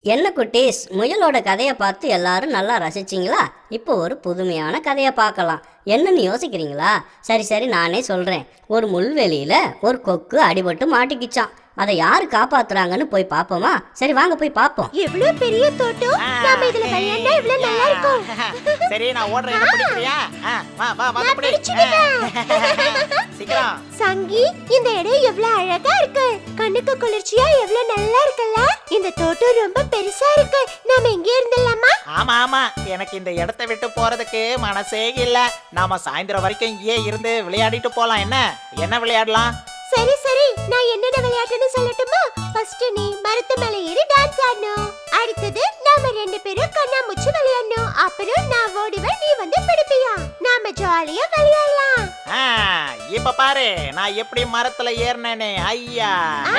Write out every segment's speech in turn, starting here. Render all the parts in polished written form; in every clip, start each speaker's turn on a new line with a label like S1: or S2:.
S1: என்ன குட்டீஸ், முயலோட கதையை பார்த்து எல்லாரும் நல்லா ரசிச்சிங்களா? இப்போ ஒரு புதுமையான கதையை பார்க்கலாம். என்னன்னு யோசிக்கிறீங்களா? சரி சரி, நானே சொல்கிறேன். ஒரு முள்வெளியில் ஒரு கொக்கு அடிபட்டு மாட்டிக்கிச்சான். அதை யாரு காப்பாத்துறாங்கன்னு போய் பாப்போமா? சரி வாங்க போய் பாப்போம்.
S2: எவ்வளவு பெரிய தோட்டம், நாம இதுல விளையாண்டா இவ்வளவு நல்லா இருக்கும்.
S3: சரி, நான் ஓடுறேன், பிடிக்கறியா? வா வா வா, பிடி. சீக்கிரம்.
S2: சங்கி, இந்த இடம் எவ்வளவு அழகா இருக்கு. கண்ணுக்கு குளிர்ச்சியா எவ்வளவு நல்லா இருக்குல்ல. இந்த தோட்டம் ரொம்ப பெருசா இருக்கு. நாம இங்கே இருந்தலாமா?
S3: ஆமா ஆமா, எனக்கு இந்த இடத்தை விட்டு போறதுக்கு மனசே இல்ல. நாம சாயந்தரம் வரைக்கும் இங்கே இருந்து விளையாடிட்டு போலாம். என்ன விளையாடலாம்?
S2: சரி சரி, நான் என்னென்ன விளையாட்டுன்னு சொல்லட்டுமா? ஃபர்ஸ்ட் நீ மரத்து மேல ஏறி டான்ஸ் ஆடணும். அடுத்தது நாம ரெண்டு பேரும் கண்ணாமூச்சி விளையாடணும். அப்புறம் நான் ஓடுவேன், நீ வந்து பிடிப்பியா. நாம ஜாலியா விளையாடலாம்.
S3: இப்ப பாரு நான் எப்படி மரத்துல ஏறினேனே. ஐயா,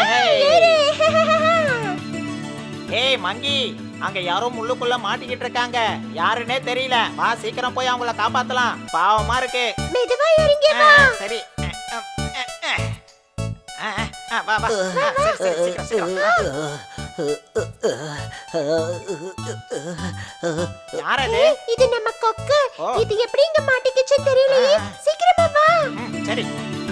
S3: ஏய் மங்கி, அங்க யாரோ முள்ளுக்குள்ள மாட்டிக்கிட்டு இருக்காங்க. யாருன்னே தெரியல. வா சீக்கிரம் போய் அவங்கள காப்பாத்தலாம். பாவமா இருக்கு.
S2: மெதுவா இறங்கி வா.
S3: சரி வா வா. சரி சீக்கிரம். யாரது?
S2: இது நம்ம கொக்கு. இது எப்படி இங்க மாட்டிக்கிச்சு தெரியலையே. சீக்கிரமா வா.
S3: சரி.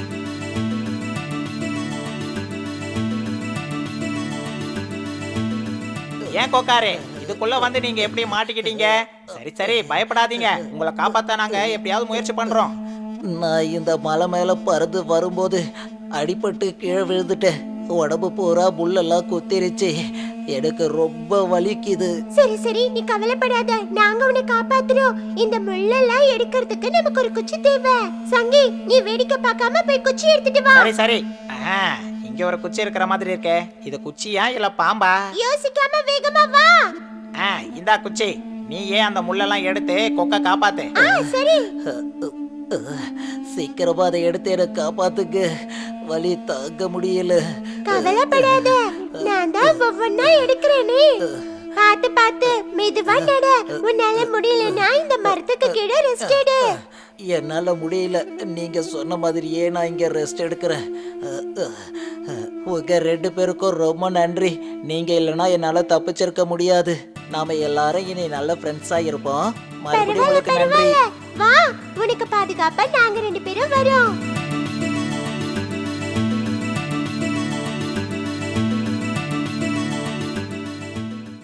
S3: ஏன் கொக்காரே, இதுக்குள்ள வந்து நீங்க எப்படி மாட்டிக்கிட்டீங்க? சரி சரி, பயப்படாதீங்க. உங்களை காப்பாத்த நாங்க எப்படியாவது முயற்சி பண்றோம்.
S4: நான் இந்த மலை மேல பறந்து வரும்போது அடிபட்டு கீழே விழுந்துட்டேன். உடம்பு பூரா முள்ளெல்லாம் குத்திருச்சு. எனக்கு ரொம்ப வலிக்குது.
S2: சரி சரி, நீ கவலைப்படாத. நாங்க உன்னை காப்பாத்துறோம். இந்த முள்ளெல்லாம் எடுக்கிறதுக்கு நமக்கு ஒரு குச்சி தேவை. சங்கி, நீ வேடிக்கை பார்க்காம போய் குச்சி எடுத்துட்டு வா.
S3: சரி சரி. இங்க ஒரு குச்சி இருக்கிற மாதிரி இருக்கே. இது குச்சியா இல்ல பாம்பா?
S2: யோசிக்காம வேகமா வா.
S3: இந்தா குச்சி. நீ ஏன் அந்த முள்ளெல்லாம் எடுத்து கொக்க காப்பாத்து.
S2: சரி.
S4: சீக்கிரமா அதை எடுத்து எனக்கு காப்பாத்துங்க. வலி தாங்க முடியல.
S2: கவலைப்படாத, நான் தான் ஒவ்வொன்னா எடுக்கிறேனே. பாத்து பாத்து மெதுவா நட. உன்னால முடியலன்னா இந்த மரத்துக்கு கீழே ரெஸ்ட் எடு.
S4: என்னால முடியல. நீங்க சொன்ன மாதிரியே நான் இங்க ரெஸ்ட் எடுக்கிறேன். உங்க ரெண்டு பேருக்கும் ரொம்ப நன்றி. நீங்க இல்லைன்னா என்னால தப்பிச்சிருக்க முடியாது. நாம எல்லாரும் இனி நல்ல ஃப்ரெண்ட்ஸா இருப்போம். மறுபடியும் உங்களுக்கு நன்றி.
S2: வா, உனக்கு பாதுகாப்பா நாங்க ரெண்டு பேரும் வரோம்.